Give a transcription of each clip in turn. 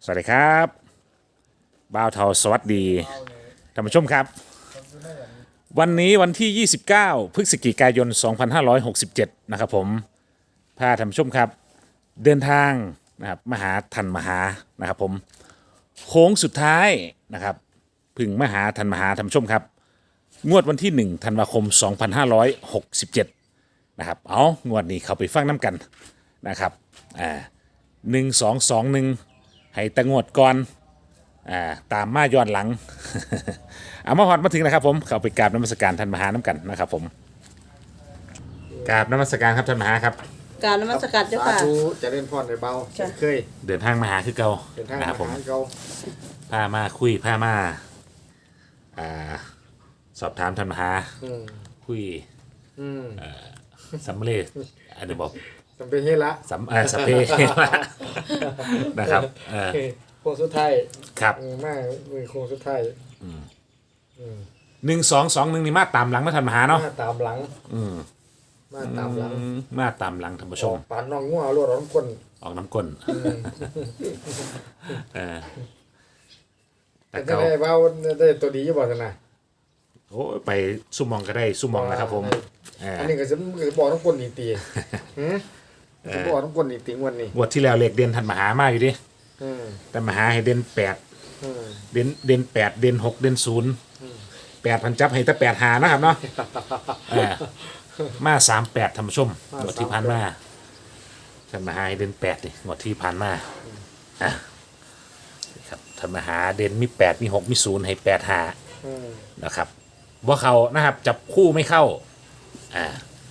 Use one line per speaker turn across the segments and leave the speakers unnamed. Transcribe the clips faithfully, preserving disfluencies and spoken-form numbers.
สวัสดีครับบ่าวเทาสวัสดีท่านผู้ชมครับวันนี้วันที่ ยี่สิบเก้า พฤศจิกายน สองพันห้าร้อยหกสิบเจ็ด นะครับผมพาท่านผู้ชมครับเดินทางนะครับมาหาทันมหานะครับผมโค้งสุดท้ายนะครับพึ่งมาหาทันมหาท่านผู้ชมครับงวดวันที่หนึ่งธันวาคม สองพันห้าร้อยหกสิบเจ็ด นะครับเอางวดนี้เข้าไปฟังน้ำกันนะครับอ่าหนึ่งสองสองหนึ่งให้ตะงวดก่อนอ่าตามมาย้อนหลัง เอามาฮอดมาถึงนะครับผมเข้าไปกราบนมัสการท่านมหาน้ำกันนะครับผมกราบนมัสการครับท่านมหาครับ
กรารนมัสการเจ้า
สา
ค่ะ
ธุเจะเล่นพรในเบา
จ้ะ
เคย
เดินทางมาหาคือเก่า
เป็นทาง
นะครับผม
หาเก่า
พามาคุยพามาอ่าสอบถามท่านมหา
อืม
คุย
อืม
สัมเร็จอันนี้บอก
จำเป็นเฮ็ดละ
สัมเอ่อสัพเพ นะครับเออ
โค้งสุดท้าย
ครับ
อืมมามือโค้งสุดท้ายอืม
หนึ่งสองสองหนึ่งนี่มาตามหลังนะท่านมหาเนาะ
มาตามหลัง
อืม
มาตามหลัง
อืมมาตามหลังท่านผู้ช
ออ
ม
กปานน้องงัวรวดร้อนคน
ออกน้ำก้นเออแต่
แต่จะ
เก่า
ได้เบาได้ตัวดีอยู่บ่ซั่นน่ะ
โอ้ยไปซุ่มมองก็ได้ซุ่มมองนะครับผมเออ
อันนี้ก็จะก็จะบอกน้องคนนี่ตีหือจะบอกน้องคนนี่ตีวันนี้
งวดที่แล้วเลขเด่นท่านมหามาอยู่ดิ
อืม
แต่มหาให้เด่นแปด
อืม
เด่นเด่นแปดเด่นหกเด่นศูนย์แปดพันจับให้แต่แปดหานะครับเนาะเออมาสามแปดท่านผู้ชมงวดที่ผ่านมาท่านมหาให้เด่นแปดดิงวดที่ผ่านมาอ่ะนี่ครับท่านมหาเด่นมีแปดมีหกมีศูนย์ให้แปดหา
อืม
นะครับว่าเขานะครับจับคู่ไม่เข้าอ่า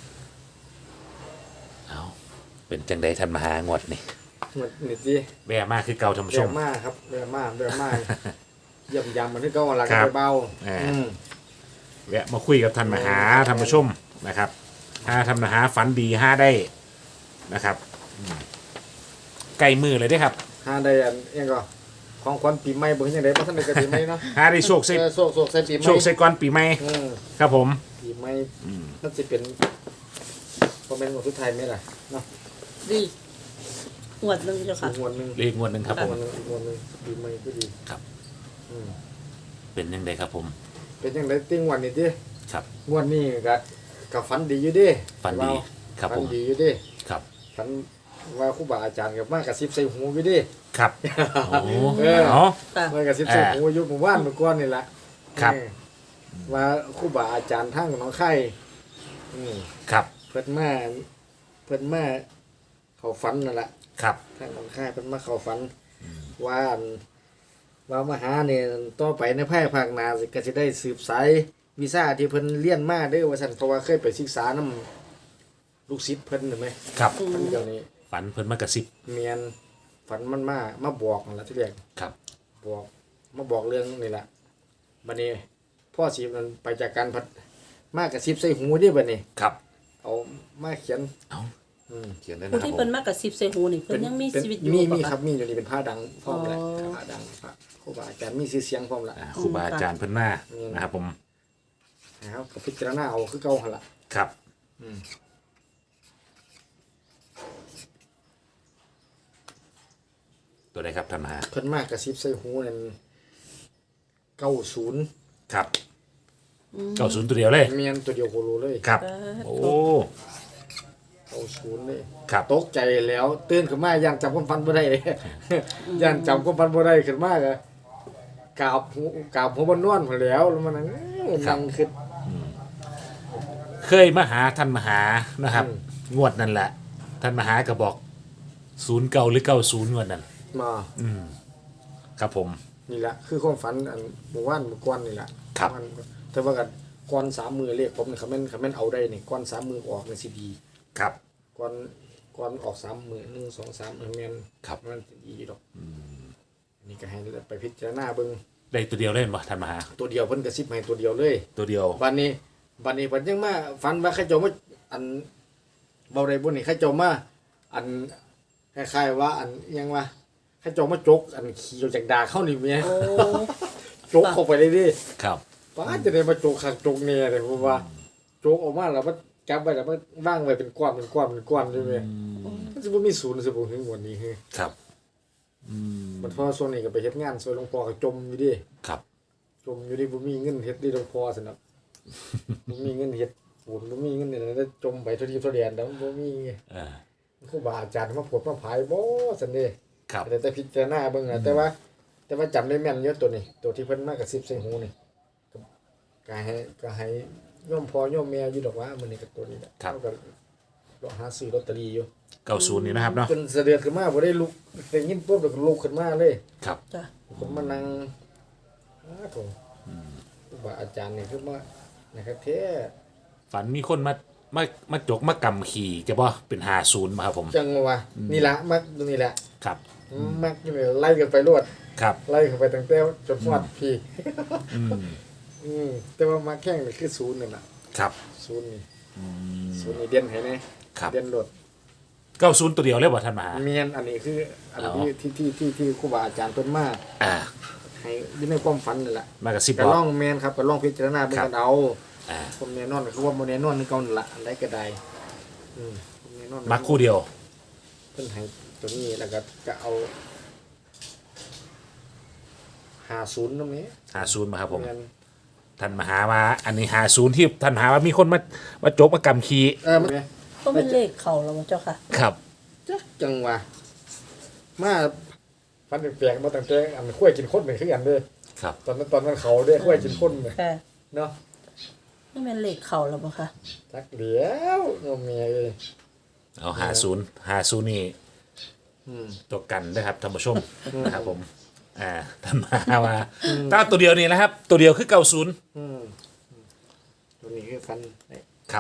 เอาเป็นจังใดท่านมหางวดนี่
มันนี่สิ
แว่มากคือเก่าท่านผู้ช
เร็ว
ม
มากครับเร็วมากเร็วมากเยี่ยมยำมันที่เก่าหลัก
ครับ
เบา
อ่า
อืม
แวะมาคุยกับท่านมหาท่านผู้ชมนะครับห้าท่านมหาฝันดีห้าได้นะครับอืมใกล้มือเลยเด้ครับ
หาได้อันเองก็ของขวัญปีใหม่เบิ่งยังไงบ่ทันได้ก็ปีใหม่เนาะ
ห้าได้โชคใส่
เออโศกโศกใส่ปีใหม่
โชคใส่ก้อนปีใหม่
อืม
ครับผม
ปีใหม่นั่นสิเป็นบ่แม่นของสุดท้ายไหมล่ะเนาะ
ดีหวดหนึ่งเจ้า
อี
ค่ะ
กงวดหนึง
เลขงวดหนึ่งครับผม
งวดหนึงอีกงวดหนึงปีใหม่ก็ดี
ครับ
อืม
เป็นยังไงครับผม
เป็นจังไดติ้งวันนี้ติ
ครับ
งวดนี้ก็ก็ฝันดีอยู่เดิ
ฝันดีครับ
ฝั
ผ
น
ม
ดีอยู่เดิ
ครับ
ฝันว่าครูบาอาจารย์กับมากระซิบใส่หูอยู่เดิ
ครับโอ้
เออ
เนาะ
ค่ะ
มากระซิบใส่หูอยู่หมู่บ้านเมื่อก่อนนี่ล่ะ
ครับ
เออว่าครูบาอาจารย์ทางหนองไข่อืม
ครับ
เพิ่นมาเพิ่นมาเขาฝันนั่นแหละ
ครับ
ทางหนองค่ายเพิ่นมาเขาฝันว่าอั่นว่ามาหาเนี่ยต่อไปในภายภาคหน้าสิก็สิได้สืบสายวีซ่าที่เพิ่นเรียนมาเด้อว่าซั่นเพราะว่าเคยไปศึกษานำลูกศิษย์เพิ่นเห็นไหม
ครับ
เพิ่นเดี๋ยวนี้
ฝันเพิ่นมากระซิบ
เมียนฝันมันมามาบอกนั่นล่ะที่แรก
ครับ
บอกมาบอกเรื่องนี่ล่ะบัดนี้พ่อสิมันไปจากการพัดมากระซิบใส่หูเด้บัดนี้
ครับ
เอามาเขียน
เอา
อืม
เขียนได้นะ
ผู้
ครับ
ที่
ผ
เพิ่น
ม
มากกับสิบใส่หูนี่เพิ่นยังมี
เป็น
ชีวิตอยู่
มี
บ่
มี
คะ
ครับมีอยู่นี่เป็นผ้าดังพร้อมแหละ
อ๋อ
ผ้าดังพระครูบาอาจารย์มีชื่อเสียงพร้อมละ
อ่าครูบาอาจารย์เพิ่นมา
อืม
นะครับผม
นะครับก็พิจารณาเอาคือเก่าหั่นล่ะ
ครับ
อืม
ตัวใดครับท่านมหา
เพิ่นมากกระซิบใส่หูนั่นเก้าศูนย์
ครับเก้าศูนย์ตัวเดียวเลย
เมียนตัวเดียวโคโลเลย
ครับ
เออ
โอ้
เก้าศูนย์เลย
ครับ
ตกใจแล้วตื่นขึ้นมาย่านจำความฝันบ่ได้เลย ย่านจำความฝันบ่ได้ขึ้นมาก็กราบหูกราบหัวบนนวลพุ่นแหล้วแล้วมันนั่งนั่งคิด
เคยมาหาท่านมหานะครับ
อืม
งวดนั่นแหละ ท่านมหาก็บอกศูนย์เก้าหรือเก้าศูนย์งวดนั้น
มา
ครับผม
นี่แหละคือความฝันอันเมื่อวานเมื่อก่อนนี่แหละ
ครับ
มันแต่ว่ากันก่อนสามมือเลขผมนี่คำแม่นคำแม่นเอาได้นี่ก่อนสามมือออกในซีดี
ครับ
ก่อนก่อนออกสามมือหนึ่งสองสามแม่น
ครับ
มันอีดอกอันนี่ก็ให้ไปพิจารณาเบิ่ง
ได้ตัวเดียวเล่นบ่ท่านมหา
ตัวเดียวเพิ่นกระซิบให้ตัวเดียวเลย
ตัวเดียว
บัดนี้บัดนี้เพิ่นยังมาฝันว่าเขาเจ้ามาอันเบาได้บ่นี่เขาเจ้ามาอันคล้ายๆว่าอันอิหยังว่าเขาเจ้ามาจกอันขี่ออกจากดากเข้านี่แม่
โอ้
จกเข้าไปเลยดิ
ครับ
ป้าจะได้มาโจกขักโจกเนี่ยเลยผมว่าโจกออกมาแล้วมันจับไปแล้วมันว่างไว้เป็นก้อนเป็นก้อนเป็นก้อนใช่ไหมมันจะไม่มีศูนย์สิบหกถึงวันนี้คือ
ครับ
มันพอส่วนนี้ก็ไปเฮ็ดงานซอยหลวงพ่อก็จมอยู่ดิ
ครับ
จมอยู่ดิบ่มีเงินเฮ็ดดิหลวงพ่อซั่นน่ะ บ่มีเงินเฮ็ดปูนบ่มีเงินนี่แล้วจมไปเท่าที่เท่าแดนแล้วบ่มี
เออ
ครูบาอาจารย์มาพูดมาผายบ่ซั่นเด้
ครับ
แต่แต่พิจารณาเบิ่งน่ะแต่ว่า แต่ว่าจำได้แม่นอยู่ตัวนี้ ตัวที่เพิ่นมากระซิบใส่หูนี่ก็ก็ให้ก็ให้โยมพ่อโยมแม่อยู่ดอกว่ามื้อนี้ก็ตัวนี้แหละ
ครับ
เขาก็รอหาซื้อลอตเตอรี่อยู่
เก้าศูนย์นี่นะครับเนาะ
จนเสด็จขึ้นมาบ่ได้ลุกได้ยินปุ๊บแล้วก็ลุกขึ้นมาเลย
ครับ
จ้ะ
ผมมานั่งอ้าโถครูบาอาจารย์นี่คือว่านะครับแท้
ฝันมีคนมามามาจกมากำขี่จะบ่เป็นหาศูนย์มาครับผม
จังว่านี่ละมักตรงนี้แหละ
ครับ
มักอยู่นี่ไล่กันไปรวด
ครับ
ไล่กันไปตั้งแต่จนฮอดพี่
อืม
อืมแต่ว่ามาแข่งนี่คือศูนย์นั่นน่ะ
ครับ
ศูนย์นี่ศูนย์นี่เด่นให้แน่
ครับ
เด่นโดด
เก้าศูนย์ตัวเดียวเลยบ่ท่านมหา
เมียนอันนี้คืออัน
อ๋อ
ที่ที่ที่ที่ที่ครูบาอาจารย์เพิ่นมา
อ่า
ให้อยู่ในความฝันนั่นแหละ
มากระซิบ
ก็
บอก
ลองแม่นครับก็ลองพิจารณาเบิ่ง
ครับ
กันเอา
อ่า
ผมแน่นอนก็คือว่าบ่แน่นอนคือเก่านั่นล่ะอันใดก็ได้อืมผมแน่นอน
มักคู่เดียว
เพิ่นให้ตัวนี้แล้วก็ก็เอาห้าศูนย์ตรงนี้
หาศูนย์มาครับผม
แม่น
ท่านมหาว่าอันนี้หาศูนย์ที่ท่านมหาว่ามีคนมามาจกมากำขี่
เออมัน
ก็เป็นเลขเข่าแล้วบ่เจ้าค่ะ
ครับ
จักจังว่ามาฟันแปลกๆมาตั้งแต่อันข้วยกินคนเป็นคือกันเด้อ
ครับ
ตอนนั้นตอนนั้นเขาเด้อข้วยกินคนเนี่ย
ค่ะ
เนาะ
นี่เป็นเลขเข่าแล้วบ่ค่ะ
จักเดียวโยมเมียเอ้ย
เอาหาศูนย์หาศูนย์นี่
อืม
ตัวกันนะครับท่านผู้ชมนะครับผมอ่าท่านมหาว่าถ้าตัวเดียวนี่นะครับ ตัวเดียวคือเก้าศูนย์
อืมตัวนี้คือฟันไอ้
ครับ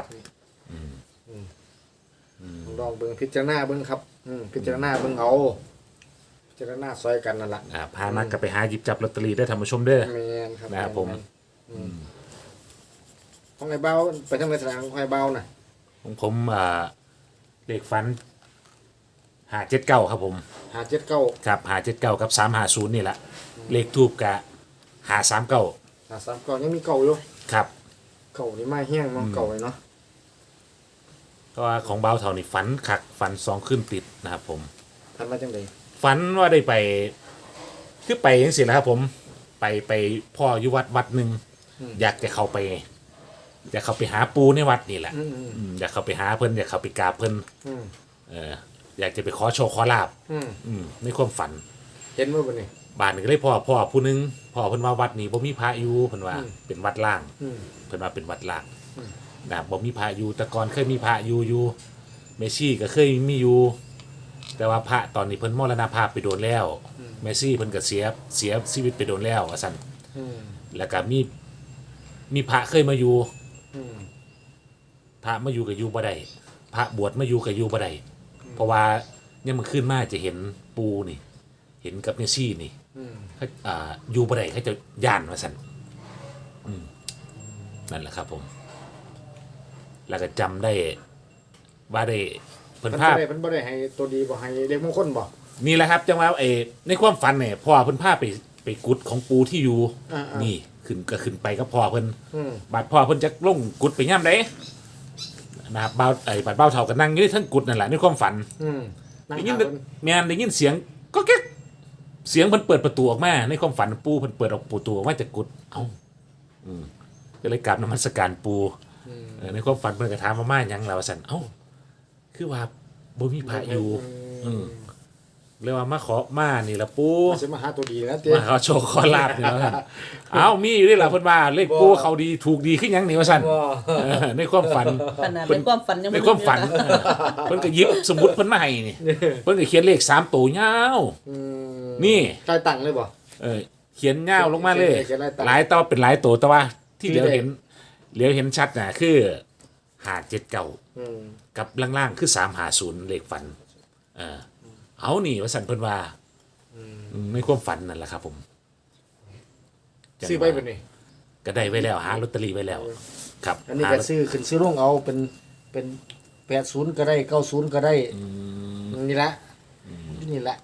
ลองเบิ่งพิจารณาเบิ่งครับอืมพิจารณาเบิ่งเอาพิจารณาซอยกันนั่นล่ะ
อ่าพานักก็ไปหาหยิบจับลอตเตอรี่ได้ท่านผู้ชมเด้อ
แม่นครับ
นะครับผม
อืมของไอ้เบาไปทางไหนสนามของไอ้เบาน่ะ
ของผมอ่าเลขฟันหาเจ็ดเก้าครับผม
ห้าเจ็ดเก้า
ครับหาเจ็ดเก้ากับสามหาศูนย์นี่แหละเลขทูบกะหาสามเก้า
ห้าสามเก้ายังมีเก่าอยู่
ครับ
เก่านี่มาแห้งเนาะเก่าเลยเนาะ
เพราะว่าของเบาเท่านี่ฝันขักฝันสองขึ้นติดนะครับผม
ทันมาจังได๋
ฝันว่าได้ไปคือไปยังสินะครับผมไปไปพ่ออยู่วัดวัดหนึ่งอยากจะเข้าไป อยากเข้าไปหาปูในวัดนี่แหละ
อืมอืม
อืมอยากเข้าไปหาเพิ่นอยากเข้าไปกราบเพิ่น
อืม
เอออยากจะไปขอโชคขอลาบ
อืม
อืมในความฝัน
เห็นบ่บัดนี้
บ้านนี่ก็เลยพ่อพ่อผู้หนึงพ่อเพิ่นว่าวัดนี้บ่มีพระอยู่เพิ่นว่า
อืม
เป็นวัดล่าง
อืม
เพิ่นว่าเป็นวัดล่าง
อืม
นะครับบ่มีพระอยู่แต่ก่อนเคยมีพระอยู่อยู่เมซี่ก็เคยมีอยู่ แต่ว่าพระตอนนี้เพิ่นมรณภาพไปโดนแล้วเมซี่เพิ่นก็เสียเสียชีวิตไปโดนแล้วว่าซั่น
อืม
แล้วก็มีมีพระเคยมาอยู่
อืม
พระมาอยู่ก็อยู่บ่ได้พระบวชมาอยู่ก็อยู่บ่ได้เพราะว่ายังมันขึ้นมาจะเห็นปูนี่ เห็นกับเมซี่นี่
อืม
เขาอ่าอยู่บ่ได้เขาจะย่านว่าซั่นอืมนั่นแหละครับผม แล้วก็จำได้ว่าได้เพิ่น
เพิ่น
ภา
บ่
พ
ได้เพิ่นบ่ได้ให้ตัวดีบ่ให้เด็กมงคลบ่
นี่แหละครับจังว่าเออในความฝันเนี่ยพ่อเพิ่นพาไปไปกุดของปูที่อยู่
อ่าๆ
นี่ขึ้นก็ขึ้นไปกับพ่อเพิ่น
อืม
บาดพ่อเพิ่นจะลงกุดไปย่ำไดนะครับบ่าวไอ้บาดบ่าวเฒ่าก็นั่งอยู่ที่ทั้งกุดนั่นแหละในความฝัน
อืมนั่ง
ได้ยิ
หาน เพิ่น
แม่นได้ยินเสียงก็แก๊กเสียงเพิ่นเปิดประตูออกมาในความฝันปูเพิ่นเปิดออกประตูออกมาจากกุดเอ้าอืมก็เลยกราบนมัสการปูเออในความฝันเพิ่นก็ถามว่ามาหยังล่ะว่าซั่นเอ้าคือว่าบ่มีพระอยู่ อืม เรียกว่ามาขอมานี่ละปู
สิมาหาตัวดีนะเต้
มาขอโชคขอลาบนี่แล้วกันเอ้ามีอยู่ด้วยล่ะเพิ่นว่าเลขปูเขาดีถูกดีขึ้นยังนี่ว่าซั่น
บ่
เออในความฝัน
ขนาดในความฝันยัง
ใน
บ่
ความฝัน
อยู่
เออเพิ่นก็หยิบสมุดเพิ่นมาให้นี่เพิ่นก็เขียนเลขสามตัวยาว
อืม
นี่
ใครตั้งเลยบ่
เออเขียนยาวลงมาเลย
เขียนหลายตัว
หลายตัวเป็นหลายตัวแต่ว่า ที่
ที่
เหลียว
เลข
เห็นเหลียวเห็นชัดน่ะคือห้าเจ็ดเก้า
อืม
กับล่างๆคือสามห้าศูนย์เลขฝันเออเอานี่ว่าซั่นเพิ่นว่าอืมในความฝันนั่นแหละครับผม
ซื้อไปเป็นนี่
ก็ได้ไว้แล้วหาลอตเตอรี่ไว้แล้ว ครับ
อันนี้
หา
ก็
ลอต
ซื้อขึ้นซื้อลงเอาเป็นเป็นแปดศูนย์ก็ได้เก้าศูนย์ก็ได้นี่ละนี่ละ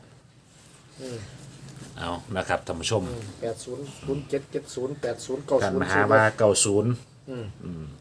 เอานะครับท่านผู้ชม
แปดศูนย์ศูนย์เจ็ดเจ็ดศูนย์แปดศูนย์เก้า
กัน
ศูน
ม
ย์
หาว่าเก้าศูนย์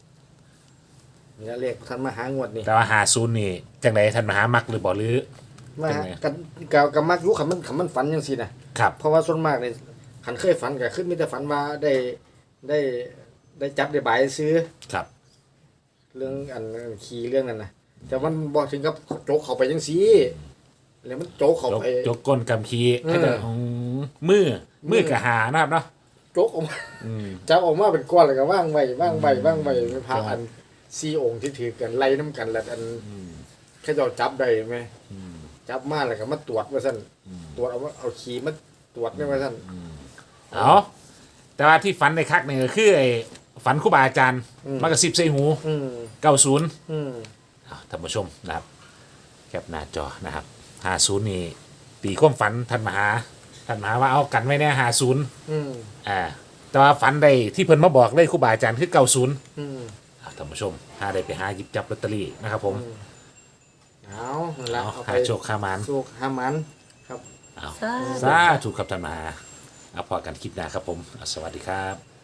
นี่ละเลขท่านมาหางวดนี่
แต่ว่าหาศูนย์นี่จังไดท่านมหามักหรือบ่หรือ
มา
เป็นไง
กันกับกับมักรู้คำมันคำมันฝันจังซี่นะครับ เพราะว่าส่วนมากเนี่ยขันเคยฝันก็ขึ้นมีแต่ฝันว่าได้ได้ได้จับได้บายซื้อ
ครับ
เรื่องอันขี่เรื่องนั้นนะแต่มันบอกถึงกับโจกเข้าไปจังซี่แล้วมันโจกเข้า
จก
ไป
จกก้นกำคี
เออ
ให้แต่อืมมือมือกะหานะครับเนาะ
โจกออกมา
อืม
จับออกมาเป็นก้อนแล้วก็ว่างไว้ว่างไว้ว่างไว้เป็นพระ
ครับ
อันสี่องค์ที่ถือกันไล่น้ำกันแล้วอันแค่เจ้าจับได้ไหมจับมาแล้วก็มาตรวจว่าสั่นตรวจเอาว่าเอาขี่มาตรวจนี่ว่าสั่น
เอาแต่ว่าที่ฝันในคักเนี่ยก็คือไอ้ฝันครูบาอาจารย์
อืม
มากระซิบใส่หู
อืม
เก้าศูนย์
อืม
ท่านผู้ชมนะครับแคปหน้าจอนะครับห้าศูนย์นี่ตีความฝันท่านมหาท่านมหาว่าเอากันไว้แน่ห้าศูนย์
อืม
อ่าแต่ว่าฝันได้ที่เพิ่นมาบอกเลยครูบาอาจารย์คือเก้าศูนย์
อืม
ท่านผู้ชมหาได้ไปหาหยิบจับลอตเตอรี่นะครับผม
เอานั่นละ
เอา
เอาไป
หาโชคขามาน
โชคหามันครับ
เอา
สาธุ
สาธุครับท่านมหาเอาพอกันคลิปหน้าครับผมอ่ะสวัสดีครับ